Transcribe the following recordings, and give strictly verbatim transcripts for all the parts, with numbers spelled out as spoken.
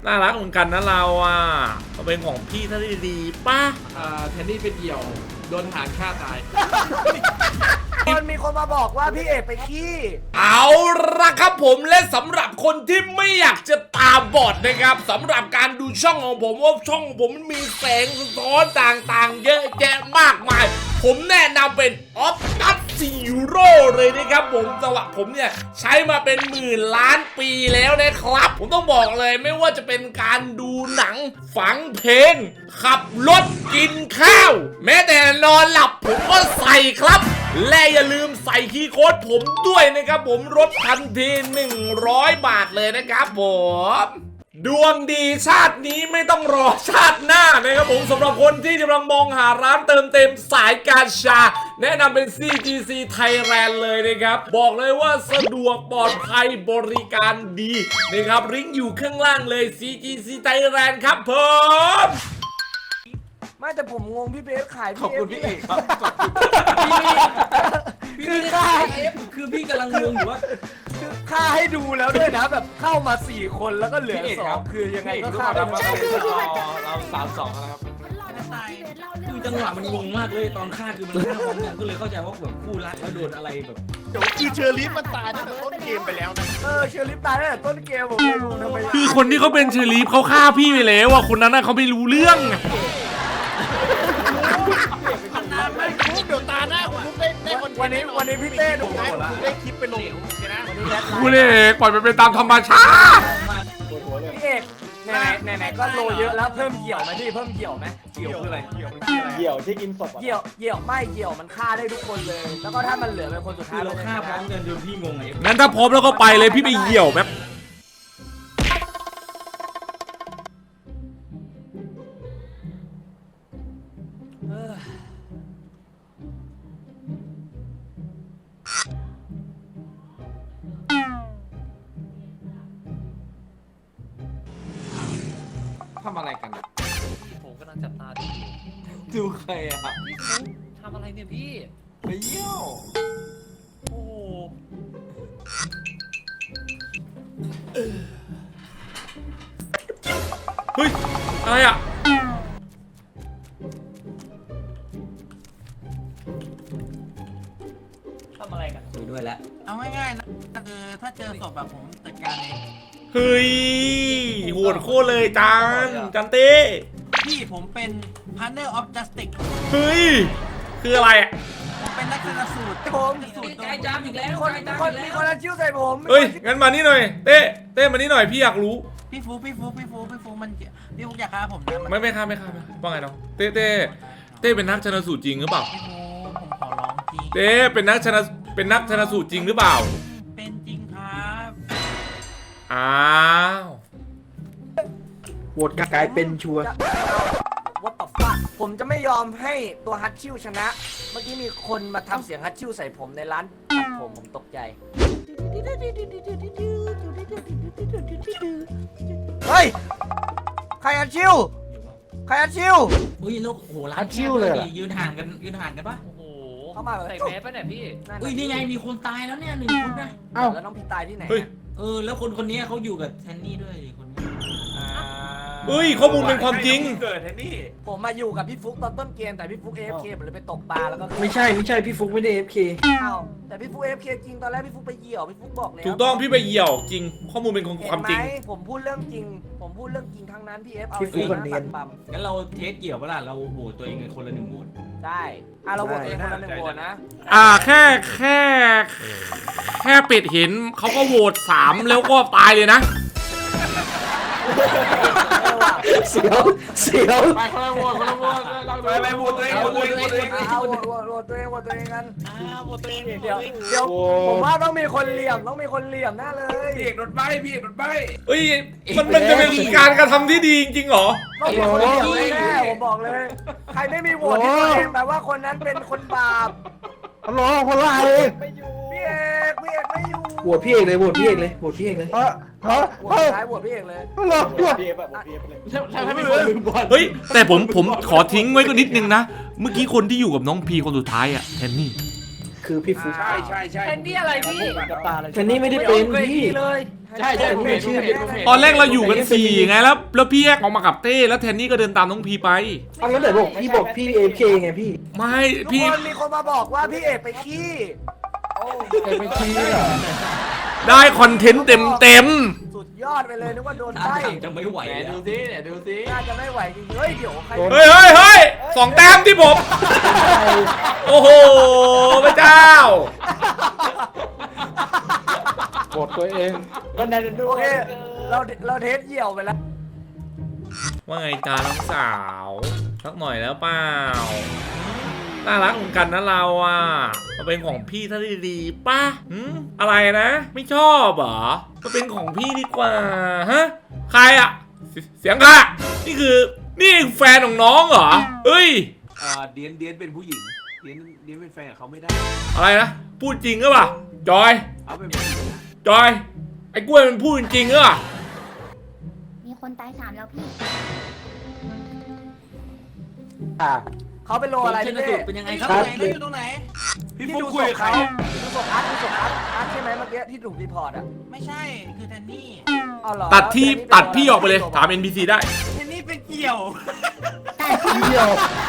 น่ารักเหมือนกันนะเราอ่ะก็เป็นของพี่ท่านดีๆป่ะอ่าแทนนี่เป็นเหี่ยวโดนหางฆ่าตายคนมีคนมาบอกว่าพี่เอกไปขี้เอาละครับผมและสำหรับคนที่ไม่อยากจะตาบอดนะครับสำหรับการดูช่องของผมว่าช่องของผมมันมีแสงสะท้อนต่างๆ เยอะแยะมากมาย ผมแนะนำเป็นออฟตัสซีโร่เลยนะครับผมสำหรับผมเนี่ยใช้มาเป็นหมื่นล้านปีแล้วนะครับผมต้องบอกเลยไม่ว่าจะเป็นการดูหนังฟังเพลงขับรถกินข้าวแม้แต่นอนหลับผมก็ใส่ครับและอย่าลืมใส่คีย์โค้ดผมด้วยนะครับผมลดทันทีหนึ่งร้อยบาทเลยนะครับผมดวงดีชาตินี้ไม่ต้องรอชาติหน้านะครับผมสำหรับคนที่กำลังมองหาร้านเติมเต็มสายการชาแนะนำเป็น ซี จี ซี Thailand เลยนะครับบอกเลยว่าสะดวกปลอดภัยบริการดีนะครับลิงก์อยู่ข้างล่างเลย ซี จี ซี Thailand ครับผมไม่แต่ผมงงพี่เบสขายขอบคุณพี่เอกครับขอบคุณคือค่าคือพี่กำลังงงอยู่ว่าคือค่าให้ดูแล้วด้วยนะแบบเข้ามาสี่คนแล้วก็เหลือพี่เอกสอครังบคือยังไงก็พี่ค่าเอกได้ครับเราสามสองแล้วครับคือจังหวะมันงงมากเลยตอนฆ่าคือมันฆ่าพร้อมกันก็เลยเข้าใจว่าแบบคู่รักแล้วโดนอะไรแบบเดี๋ยวคือเชอร์ลีฟมันตายตั้งแต่ต้นเกมไปแล้วนะเออเชอร์ลิฟตายตั้งแต่ต้นเกมผมไม่รู้ทำไมคือคนที่เขาเป็นเชอรีฟเขาฆ่าพี่ไปแล้วอ่ะคนนั้นน่ะเขาไม่รู้เรื่องไม่คุ้มเดี๋ยวตาหน้าคุณคุ้มได้ได้คนวันนี้วันนี้พี่เต้ดูได้คุณได้คลิปไปลงโอเคนะวันนี้แรดไลคุณน์เอกปล่อยมันไปตามธรรมชาติพี่เอกไหนไหนไหนๆก็โลเยอะแล้วเพิ่มเหี่ยวไหมพี่เพิ่มเหี่ยวไหมเกี่ยวคืออะไรเกี่ยวมันคืออะไรเหี่ยวที่กินศพอ่ะเหี่ยวเหี่ยวไม่เหี่ยวมันฆ่าได้ทุกคนเลย แล้วก็ถ้ามันเหลือเป็นคนสุดคืท้ายอเราฆ่าพร้อมกันจนพี่งงไงงั้นถ้าพร้อมแล้วก็ไปเลยพี่ไปเหี่ยวแป๊บเออทำอะไรกันอะผมกำลังจับตาดูอยู่ดูใครอะพี่ฟุ๊กทำอะไรเนี่ยพี่ไปเยี่ยวโอ้โหเฮ้ยอะไรอ่ะทำอะไรกันคุยด้วยแล้วเอาง่ายๆนะคือถ้าเจอศพแบบผมจัดการเองเฮ้ยโหดโคตรเลยจานจันเต้พี่ผมเป็น Partner of Justice เฮ้ยคืออะไรอ่ะผมเป็นนักชนสูตรผมสูตรกายจามอีกแล้วคนกายจามคนอีกมีแล้วคนละชิ้วใส่ผมเฮ้ยงั้นมานี่หน่อยเต้เต้มานี่หน่อยพี่อยากรู้พี่ฟูพี่ฟูพี่ฟูพี่ฟูมันพี่ฟูอยากฆ่าผมนะมันไม่ไม่ฆ่าไม่ฆ่าไม่ฆ่าว่าไงน้องเต้เต้เต้เป็นนักชนสูตรจริงหรือเปล่าพี่ฟูผมขอร้องจริงเต้เป็นนักชนเป็นนักชนสูตรจริงหรือเปล่าเป็นจริงครับอ้าวโหวตกลายเป็นชัวร์วัดต่อฟ้าผมจะไม่ยอมให้ตัวฮัตชิวชนะ เมื่อกี้มีคนมาทำเสียงฮัตชิวใส่ผมในร้านตัดผมผมตกใจ เฮ้ย ใครฮัตชิว ใครฮัตชิวอุ้ยลูกโหร้านแคบเลยดิยืนห่างกันยืนห่างกันปะโอ้โหเข้ามาแบบใส่แมสป่ะเนี่ยพี่นั่นอุ้ยนี่ไงมีคนตายแล้วเนี่ยหนึ่งคนนะเอ้าแล้วน้องพี่ตายที่ไหนเฮ้ยอะเออแล้วคนคนนี้เขาอยู่กับแทนนี่ด้วยดิคนนี้อ่าเฮ้ยข้อมูลเป็นความจริงเกิดแทนนี่ผมมาอยู่กับพี่ฟุกตอนต้นเกมแต่พี่ฟุก เอ เอฟ เค ผมเลยไปตกปลาแล้วก็ไม่ใช่ไม่ใช่พี่ฟุกไม่ได้ เอฟ เคเอ้าแต่พี่ฟุก เอ เอฟ เค จริงตอนแรกพี่ฟุกไปเหี่ยวพี่ฟุกบอกแล้วถูกต้องพี่ไปเหี่ยวจริง ข้อมูลเป็นความจริงเห็นไหมผมพูดเรื่องจริง ผมพูดเรื่องจริงทั้งนั้นพี่เอฟเอาพี่ฟุ๊กเองมันนะเนียนปัดปั๊มงั้นเราเทสเกี่ยวปะล่ะเราโหวตตัวเองกันคนละหนึ่งโหวตใช่อ่ะเราโหวตตัวเองคนละหนึ่งโหวตนะอ่าแค่แค่แค่เป็ดเห็นเขาก็โหวตสามแล้วก็ตายเลยนะเสียวเสียวไปคนละโหวตคนละโหวตเราไปไปโหวตตัวเองโหวตตัวเองโหวตตัวเองเอาโหวตโหวตโหวตตัวเองโหวตตัวเองกันอ้าวหมดตัวเองเดี๋ยวเดี๋ยวผมว่าต้องมีคนเหลี่ยมต้องมีคนเหลี่ยมแน่เลยพี่เอกโดนใบพี่เอกโดนใบเอ้ยมันมันจะเป็นการกระทำที่ดีจริงๆเหรอต้องมีคนเหลี่ยมแน่ผมบอกเลย ใครไม่มีโหวตที่ตัวเองแปลว่าคนนั้นเป็นคนบาปฮัลโหลคนละเลยพี่เอกพี่เอกไม่อยู่โหวตพี่เอกเลยโหวตพี่เอกเลยโหวตพี่เอกเลยฮะฮะโหวตสุดท้ายโหวตพี่เอกเลยฮัลโหลโหวตถ้าถ้าไม่คนลืมบอลเฮ้ยแต่ผมผมขอทิ้งไว้ก็นิดนึงนะ เมื่อกี้คนที่อยู่กับน้องพีคนสุดท้ายอะแทนนี่คือพี่ฟุกใช่ใช่ใช่แทนนี่อะไรพี่กับตาเลยแต่นี่ไม่ได้เป็นพี่เลยใช่ใช่ผมเห็นผมเห็นผมเห็นตอนแรกเราอยู่กันสี่ไงแล้วแล้วพี่แยกออกมากับเต้แล้วแทนนี่ก็เดินตามน้องพีไปเอาแล้วไหนบอกพี่บอกพี่เอฟเคไงพี่ไม่ทุกพี่คนมีคนมาบอกว่าพี่เอกไปขี้โอ้เอฟเคเหรอได้คอนเทนต์เต็มเต็มสุดยอดไปเลยนึกว่าโดนท่าใต้ทางจะไม่ไหวไหนแล้ดูวสิเนี่ยดูสิน่าจะไม่ไหวจริงเฮ้ยเดี๋ยวใครๆเฮ้ยเฮ้ยเฮ้ยสองแต้มที่ผมโอ้โหพระเจ้ากดตัวเองก็นั่นดูโอเคเราเราเทสเหี่ยวไปแล้วว่าไงจ้าน้องสาวสักหน่อยแล้วเปล่าน่ารักเหมือนกันนะเราอ่ะมาเป็นของพี่ถ้าดีๆป่ะหืมอะไรนะ ไม่ชอบเหรอมาเป็นของพี่ดีกว่าฮะใครอ่ะเสเสียงค่ะนี่คือนี่แฟนของน้องเหรอเอ้ยอ่าเดียนเดียนเป็นผู้หญิงเดียนเดียนเป็นแฟนกับเขาไม่ได้อะไรนะพูดจริงหรือเปล่าจอยเอาเป็นผู้หญิงจอยไอ้กล้วยมันพูดจริงหรือเปล่ามีคนตายสามแล้วพี่อ่าเขาเป็นโลอะไรเชพี่นเต้สูตรเป็นยังไงครับครับอยู่ตรงไหนพี่ที่ฟุกดูคุยกับใครดูศพอาร์ตดูศพอาร์ตอาร์ตใช่ไหมเมื่อกี้ที่ถูกรีพอร์ตอ่ะไม่ใช่ คือแทนนี่เอาเหรอตัดที่ตัดพี่ออกไปเลยถาม เอ็น พี ซี ได้แทนนี่เป็นเกี่ยวเดียว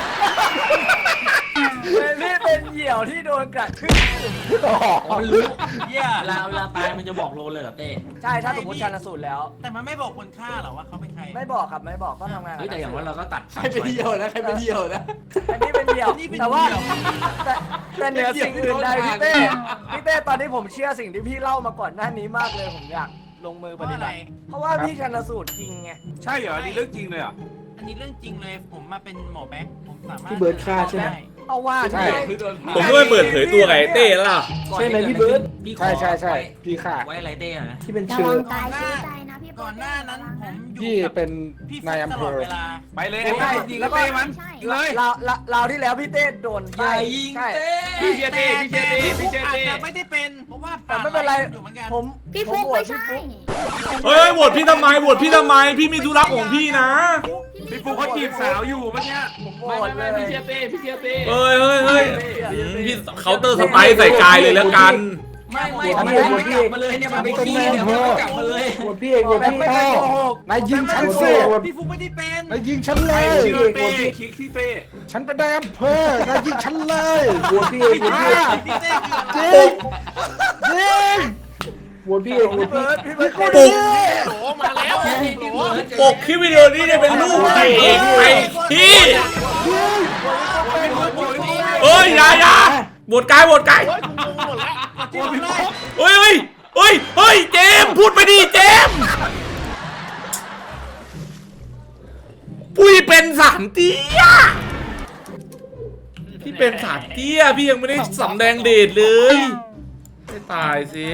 นี่เป็นเหยี่ยวที่โดนกัดขึ้นอ๋อมันรู้เหี้ยเวลาเวลาตายมันจะบอกโลเลยเหรอเต้ใช่ถ้าสมมติชันสูตรแล้วแต่มันไม่บอกคนฆ่าหรอว่าเขาเป็นใครไม่บอกครับไม่บอกก็ทำงานเฮ้ยแต่อย่างว่าเราก็ตัดใครเป็นเดียวนะใครเป็นเดียวนะอันนี้เป็นเหยี่ยวแต่ว่าแต่แต่เหนือสิ่งอื่นใดพี่เต้พี่เต้ตอนนี้ผมเชื่อสิ่งที่พี่เล่ามาก่อนหน้านี้มากเลยผมอยากลงมือปเพราะฏิอะไรบัติเพราะว่าพี่ชันสูตรจริงไงใช่เหรอนี่เรื่องจริงเลยเหรอ่ะอันนี้เรื่องจริงเลย ผมมาเป็นหมอแบ็คผมสามารถพี่เบิร์ดฆ่าใช่ไหมด้เอาว่าใช่ใช่คือโดนผมก็ไม่เปิดเผยตัวไงเต้แล้วล่ะใช่ไหมพี่เบิร์ดพี่ขอใช่ใช่ใช่ไว้พี่ค่ะไว้อะไรเต้อะนะที่เป็นระเชื้วัองตายซื้อใจนะพี่ก่อนหน้านั้นผมอยู่พี่กับเป็นพี่นายฟุ๊กอำตเภลอดอเวลาไปเลยไอ้บ้ายิงแล้วเต้มันยิงเลยเราเราเราที่แล้วพี่เต้โดนอย่าใบ้ยิงใช่เต้พี่เชียร์เต้พี่เชียร์เต้พี่เชียร์อาจเต้จะไม่ได้เป็น เพราะว่าแต่ไม่เป็นไรอยู่เหมือนกันผมพี่ผฟุมกโหวไม่ตพี่ใช่ฟุ๊กเฮ้ยโหวตพี่ทำไมโหวตพี่ทำไมพี่มีธุระของพี่นะพี่ฟุกเขาจีบสาวอยู่เมื่อกี้ผมโหวไม่ตไม่เลไม่ยพี่เชียร์เต้พี่เชียร์เต้เฮ้ยเฮ้ยเฮ้ยอืมพี่เคาน์เตอร์สไปร์ใส่กายเลยแล้วกันไม่ไม่ไม่ไม่กลับมาเลยเนี่ยมันไปขี้เนี่ยมันไม่กลับมาเลยโหวตพี่เอกโหวตพี่ไม่พ่ได้อโกหกนายยิงฉันสิพี่ฟุกไม่ได้เป็นนายยิงฉันเลใครยชื่โหอวตเต้พี่คิกที่เต้ฉันเป็นนายอำเภอนายยิงฉันเลยโหวตพี่เอกโหวตพี่เอกพี่เต้คืออะไรจริงจริงโหวตพี่เอกโหวตพี่พี่เบิร์ดพี่เบิร์ดปลุกโหมาแล้วปกคลิปวิดีโอนี้เนี่ยเป็นรูปใครเองไอ้พี่เอ้ยอย่าอย่าโหวตกายโหวตกายจริงเลยเฮ้ยเฮ้ยเฮ้ยเฮ้ยเจมส์พูดไปดิเจมส์ปุ้ยเป็นสามเตี้ยพี่เป็นสามเตี้ยพี่ยังไม่ได้สำแดงเดชเลยไม่ตายสิ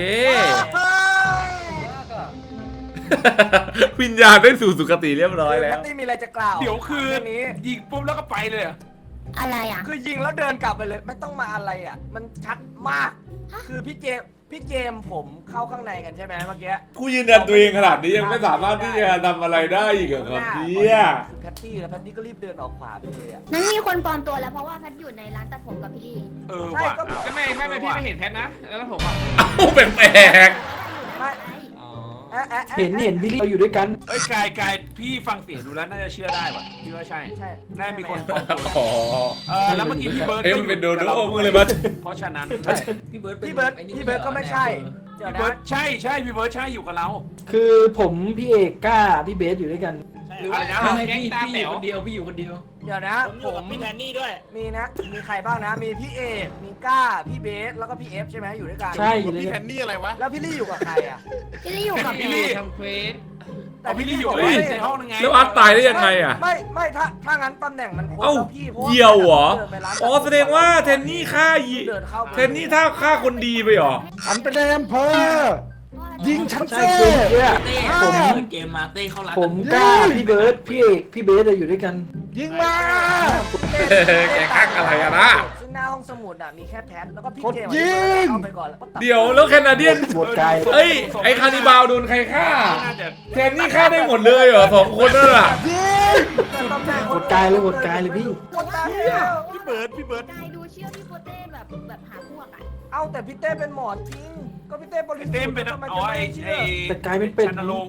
วิญญาณได้สู่สุคติเรียบร้อยแล้วแพตตี้มีอะไรจะกล่าวเดี๋ยวคือเรื่องนี้ยิงปุ๊บแล้วก็ไปเลยอะอะไรอ่ะคือยิงแล้วเดินกลับไปเลย ไม่ต้องมาอะไรอ่ะ มันชัดมาก คือพี่เจมส์พี่เจมส์ผมเข้าข้างในกันใช่ไหมเมื่อกี้ผู้ยืนยันตัวเองขนาดนี้ยังไม่สามารถที่จะทำอะไรได้อีกเหรอครับเนี่ยคือแพตตี้แล้วแพตตี้ก็รีบเดินออกขวาไปเลยอ่ะนั้นมีคนปลอมตัวแล้วเพราะว่าแพทอยู่ในร้านตัดผมกับพี่ลี่เออว่ะก็ไม่ไม่ไม่พี่ไม่เห็นแพทนะแล้วผมอ่ะเอ้าแปลกไม่ไม่เอ๊ะอ๊ะอ๊ะเห็นเห็นพี่ลี่เราอยู่ด้วยกันเอ้ยกายกายพี่ฟังเสียงดูแล้วน่าจะเชื่อได้ว่ะพี่ว่าใช่ใช่น่าจะมีคนปลอมตัวๆอ๋อเออแล้วเมื่อกี้พี่เบิร์ดเอ้ยมันเป็นโดโด้มึงเลยมั้ยเพราะฉะนั้นพี่เบิร์ดเป็นพี่เบิร์ดไอ้นี่พี่เบิร์ดก็ไม่ใช่ เดี๋ยวพี่เบินะร์ดใช่ใช่พี่เบิร์ดใช่อยู่กับเราคือผมพี่เอกกล้าพี่เบสอยู่ด้วยกันหรืออะไรนะไม่ไม่พี่พี่อยู่คนเดียวพี่อยู่คนเดียวเดี๋ยวนะผมอยู่กับพี่แทนนี่ด้วยมีนะ มีใครบ้างนะ มีพี่เอก มีก้า พี่เบส แล้วก็พี่เอฟใช่ไหมอยู่ด้วยกันใช่อยู่ด้วยพี่แทกันนนี่อะไรวะแล้วพี่ลี่อยู่กับใครอ่ะพี่ลี่อยู่กับพี่พี่ลี่ทำเควสแต่พี่ลี่อยู่บกในว่าในห้องนึงไงแล้วอาร์ตตายได้ยังไงอ่ะไม่ไม่ถ้าถ้างั้นตำแหน่งมันโคตรเอ้าแล้วพี่เพราะว่าเหี่ยวเหรอดินไปานอ๋อแสดงว่าแทนนี่ฆ่ายีเดินเข้าไปแทนนี่ถ้าฆ่าคนดีไปเหรอฉันเป็นนายอำเภอ ยิงฉันใช่สิคือเนี่ยเต้ผมเปิดเกมมาเต้เข้าร้านผมกล้าพี่เบิร์ดพี่เอกพี่เบสเราอยู่ด้วยกัน ยิงมาแกข้างอะไรอะนะซึ่งหน้าห้องสมุดอ่ะมีแค่แพทแล้วก็พี่กดเจมส์ยิงเข้าไปก่อนแล้วก็ตัดเดี๋ยวแล้วแคนาเดียนหมดไกลเอ้ยไอคานิบาลโดนใครฆ่าน่าจะแทนนี่ฆ่าได้หมดเลยเหรอสองคนนั่นแหละตำแหน่งหมดกายเลยหมดกายเลยพี่หมดกายเลยพี่เบิร์ดพี่เบิร์ดกายดูเชื่อพี่โปเต้แบบแบบหาพวกอ่ะเอ้าแต่พี่เต้เป็นหมอจริงก็พี่เต้บริสุทธิ์เต้มเป็นทำไมอ๋จะอไม่ไอ้เชื่ไอ้อแต่กลายเป็นเป็ดชันลงค์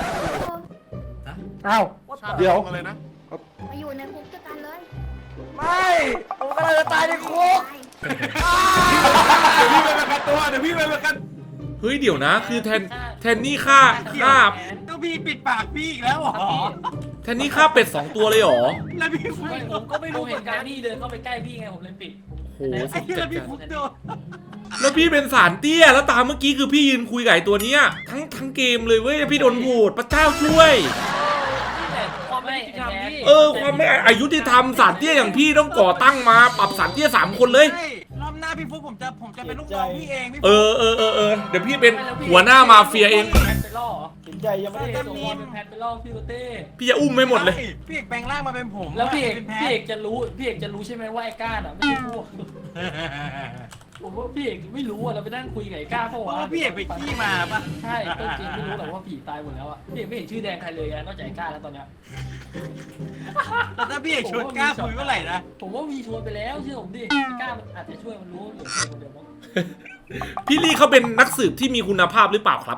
อ้าวว่าแต่เดี๋ยวอะไรนะมาอยู่ในคุกด้วยกันเลยไม่ผมกำลังจะตายในคุกเดี๋ยวพี่ไปประกันตัวเดี๋ยวพี่ไปประกันเฮ้ยเดี๋ยวนะ คือแทนแทนนี่ฆ่าฆ่าก็พี่ปิดปากพี่อีกแล้วเหรอแทนนี่ฆ่าเป็ดสองตัวเลยเหรอแล้วพี่ฟุกไม่ผมก็ไม่รู้เหมือนกันพี่เดินเข้าไปใกล้พี่ไงผมเลยปิดโอ้โหไอ้ที่แล้วพี่ฟุกโดนแล้วพี่เป็นสารเตี้ยแล้วตามเมื่อกี้คือพี่ยืนคุยกับไอ้ตัวเนี้ยทั้งทั้งเกมเลยเว้ยพี่โดนโหวตพระเจ้าช่วยนี่แหละความไม่ยุติธรรมพี่เออความไม่อายุติธรรมสารเตี้ยอย่างพี่ต้องก่อตั้งมาปรับสารเตี้ยสามคนเลยใช่รอบหน้าพี่ฟุกผมจะผมจะเป็นลูกน้องพี่เองพี่ฟุกเออเออเออเออเดี๋ยวพี่เป็นหัวหน้ามาเฟียเองแพทไปล่อเหรอสินใจยังไม่ได้พี่ส่งบอลเป็นแพทไปล่อพี่โรเต้พี่จะอุ้มไม่หมดเลยใช่พี่เอกแปลงร่างมาเป็นผมแล้วพี่เอกเป็นแพ้พี่เอกจะรู้พี่เอกจะรู้ใช่ไหมว่าไอ้ก้านอ่ะไม่ใช่พวกผมว่าพี่เอกไม่รู้อ่ะเราไปนั่งคุยกับไอ้ก้าเพราะเพราะว่าว่าพี่เอกไปขี้มาปะใช่ต้นจริงไม่รู้หรอกว่าผีตายหมดแล้วอ่ะพี่เอกไม่เห็นชื่อแดงใครเลยอะนอกจากไอ้ก้าแล้วตอนเนี้ยแต่ถ้าพี่เอกชวนกล้าคุยเมื่อไหร่นะผมว่ามีชวนไปแล้วเชื่อผมดิไอ้ก้ามันอาจจะช่วยมันรู้เหลือคนเดียวมั้งพี่ลี่เขาเป็นนักสืบที่มีคุณภาพหรือเปล่าครับ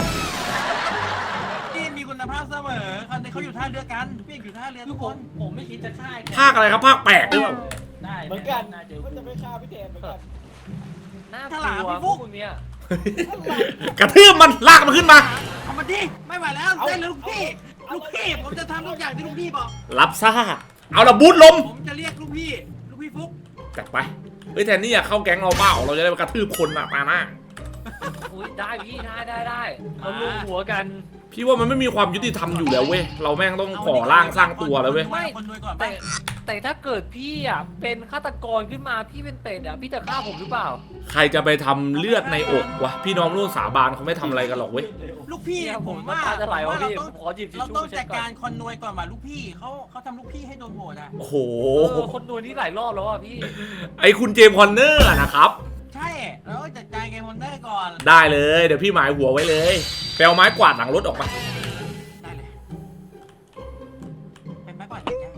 พี่มีคุณภาพเสมอเขาเขาอยู่ท่าเรือกันพี่เอกอยู่ท่าเรือคืทุอก ผคมนผมไม่คิดจะฆ่าไอ้แกภาคอะไรครับภาคแปดหรือเปล่าได้เหมือนกันน่าเจอก็จะไปฆ่าพี่เทนเหมือนกันน่ากลัวพวกมึงเนี่ยกระทืบมันลากมันขึ้นมาเอามาดิไม่ไหวแล้วเส้นลูกพี่ลูกพี่ผมจะทำทุกอย่างที่ลูกพี่บอกรับซ่าเอาละบูทลมผมจะเรียกลูกพี่ลูกพี่ฟุกจัดไปเฮ้ยแทนนี่อยากเข้าแก๊งเราเปล่าเราจะได้ไปกระทืบคนอะมาหน้าอุ้ยได้พี่ได้ได้ได้เรารวมหัวกันพี่ว่ามันไม่มีความยุติธรรมอยู่แล้วเว้ยเราแม่งต้องก่อร่างสร้างตัวแล้วเว้ยไม่คนรวยก่อนไปแต่แต่ถ้าเกิดพี่อ่ะเป็นฆาตกรขึ้นมาพี่เป็นเป็ดอ่ะพี่จะฆ่าผมหรือเปล่าใครจะไปทำเลือดในอกวะพี่น้องร่วมสาบานเขาไม่ทำอะไรกันหรอกเว้ยลูกพี่เนี่ยผผมมว่าว่าจะไหลวะพี่เราผมขอหยิบทิชเราชู่ต้องเช็จัดดก่อนการคนรวยก่อนว่าลูกพี่เขาเขาทำลูกพี่ให้โดนโหวตอ่ะโอ้โหเออคนดูนี่หลายรอบแล้วอ่ะพี่ไอคุณเจมส์คอนเนอร์อะนะครับใช่เราต้องจัดการเกมคอนเนอร์ก่อนได้เลยเดี๋ยวพี่หมายหัวไว้เลยไปเอาไม้กวาดหลังรถออกมาได้เลยเป็นไม้กวาดจัดการ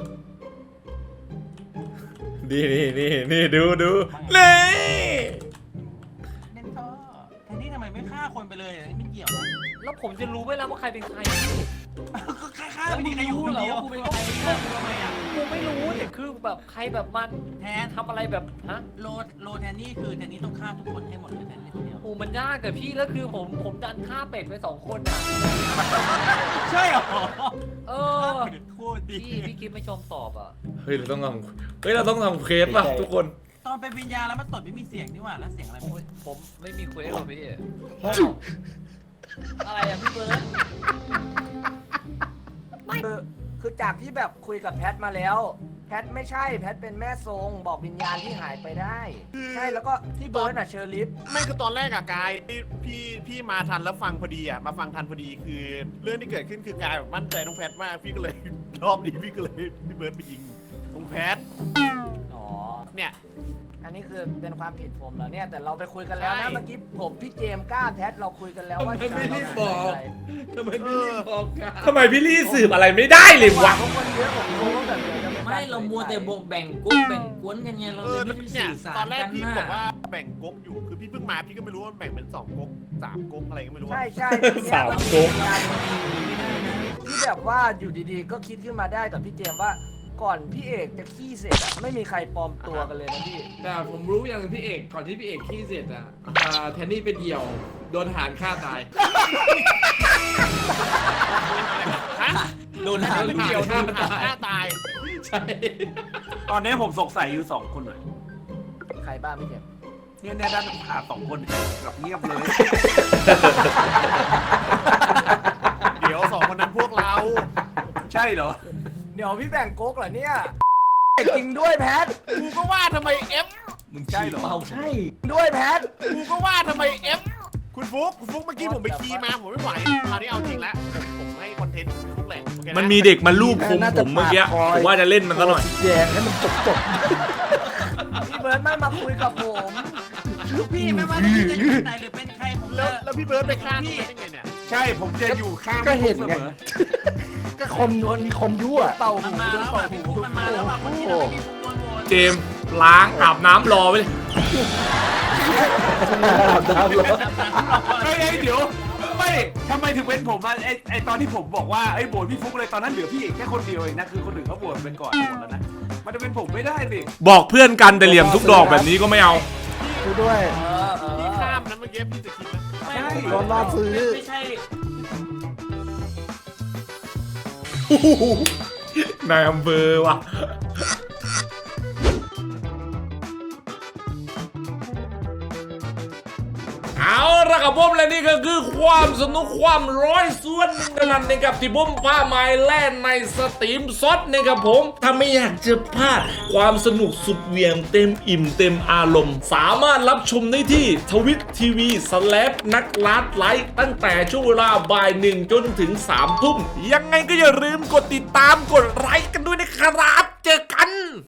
นี่นี่นี่นี่ดูดูเลยเน้นท่อแทนที่ทำไมไม่ฆ่าคนไปเลยไม่เกี่ยวอะแล้วผมจะรู้ไหมล่ะว่าใครเป็นใครก็ฆ่าฆ่าแล้วไม่มึมีงใครอยู่รู้คนเหรอเดียวว่ากูเป็นใครฆ่าทำไมอ่ะกูไม่รู้แต่คือแบบใครแบบมันแทนทำอะไรแบบฮะโลโลแทนนี่คือแทนนี่ต้องฆ่าทุกคนให้หมดเลยแทนนี่คนเดียวโอ้มันยากแต่พี่แล้วคือผมผมดันฆ่าเป็ดไปสองคนอ่ะใช่เหรอเออโคตรดีพี่พี่คิดไม่ชมตอบอ่ะเฮ้ยเราต้องทำเฮ้ยเราต้องทำเคสป่ะทุกคนตอนเป็นวิญญาณแล้วมันตดไม่มีเสียงนี่หว่าแล้วเสียงอะไรโอ้ไม่ยผมไม่มีเควสหรอกพี่เฮ้ยอะไรอ่ะพี่เบิร์ดคือคือจากที่แบบคุยกับแพทมาแล้ว แพทไม่ใช่แพทเป็นแม่ทรงบอกวิญญาณที่หายไปได้ ใช่แล้วก็ที่เบิร์ดอะเชอร์ลิฟไม่คือตอนแรกอะกายที่พี่พี่มาทันแล้วฟังพอดีอะมาฟังทันพอดีคือ เรื่องที่เกิดขึ้นคือกายแบบมั่นใจน้องแพทมากพี่ก็เลย รอบนี้พี่ก็เลยพี่เบิร์ดไปยิงน้องแพทอ๋อเนี่ยอันนี้คือเป็นความผิดผมเหรอเนี่ยแต่เราไปคุยกันแล้วใช่นะเมื่อกี้ผมพี่เจมส์กล้าแพทเราคุยกันแล้วว่าทำไมไม่รีบบอก ทำไมไม่รีบบอกกันทำไมพี่ลี่สืบอะไรไม่ได้เลยวะเพราะคนเยอะผมรู้ว่าแบบเดี๋ยวจะไม่เรามัวแต่บอกแบ่งกุ๊กแบ่งกวนกันไงเราเอเลอยไม่ได้เนี่ยสื่อสารตอนแรกกันพี่นะบอกว่าแบ่งก๊กอยู่คือพี่เพิ่งมาพี่ก็ไม่รู้ว่าแบ่งเป็นสองก๊กสามก๊กอะไรก็ไม่รู้ใช่อะใช่สามโก๊กที่แบบว่าอยู่ดีๆ ก็คิดขึ้นมาได้แต่พี่เจมส์ว่าก่อนพี่เอกจะขี้เสร็จอะไม่มีใครปลอมตัวกันเลยนะพี่แต่ผมรู้อย่างหนึ่งพี่เอกก่อนที่พี่เอกขี้เสร็จอ่ะอ่าแทนนี่เป็นเดี่ยว โดนทหารฆ่าตายฮะโดนแล้วหาเป็นเดีเดี่ยยว วท่าทำตายหน้าตายใช่ตอนนี้ผมสงสัยอยู่สองคนเลยใครบ้างพี่เจมส์เนี่ยเนี่ยด้านขาสองคนกับเงียบเลยเดี๋ยวสองคนนั้นพวกเราใช่เหรอเดี๋ยวพี่แบ่งโก๊กเหรอเนี่ยจริงด้วยแพทกูก็ว่าทำไมเอฟมึงใช่เหรอใช่ด้วยแพทกูก็ว่าทำไมเอฟคุณฟุกคุณฟุกเมื่อกี้ผมไปคีย์มาผมไม่ไหวคราวนี้เอาจริงแล้วผมผมให้คอนเทนต์ฟุกแหละโอเคนะมันมีเด็กมาลูบคมผมเมื่อกี้ผมว่าจะเล่นมันซะหน่อยแยงให้มันจบจบพี่เบิร์ดไม่มาคุยกับผมลูกพี่ไม่ว่าจะเป็นที่ไหนหรือเป็นใครผมแล้วจะแล้วพี่เบิร์ดไปฆ่าพี่ได้ไงเนี่ยใช่ผมจะอยู่ข้างก็เห็นเสไงมอก็คมมีคมยั่วเป่ามัหูนมาด้วยแล้วเป่าอ่ะหูพี่ฟุกมันมาแล้วอ่ะคนที่เราไม่มีฟุกโดนโหวตเจมส์ล้างอาบน้ำรอไว้เลยใอาบน้ำร้อนเฮ้ยเฮ้ยเดี๋ยวไม่ทำไมถึงเป็นผมอ่ะไอไอตอนที่ผมบอกว่าไอ้โบนพี่ฟุกเลยตอนนั้นเหลือพี่เอกแค่คนเดียวเองนะคือคนอื่นเขาโบนเป็นก่อนหมดแล้วนะมันจะเป็นผมไม่ได้สิบอกเพื่อนกันแต่เหลี่ยมทุกดอกแบบนี้ก็ไม่เอากูด้วยเออเอพี่อข้ามนะเมื่อกี้พี่จะคิดนะไม่โดนล่อซื้อไม่ใช่นายอำเภอว่ะ เอาละครับผมและนี่ก็คือความสนุกความร้อยส่วนหนึ่งเท่านั้นนะครับที่ผมพาไม้แล่นในสตรีมซดนะครับผมถ้าไม่อยากจะพลาดความสนุกสุดเหวียงเต็มอิ่มเต็มอารมณ์ สามารถรับชมได้ที่ทวิตทีวีสแลปนักลัดไลฟ์ตั้งแต่ช่วงเวลาบ่ายหนึ่งจนถึงสามทุ่มยังไงก็อย่าลืมกดติดตามกดไลค์กันด้วยนะครับเจอกัน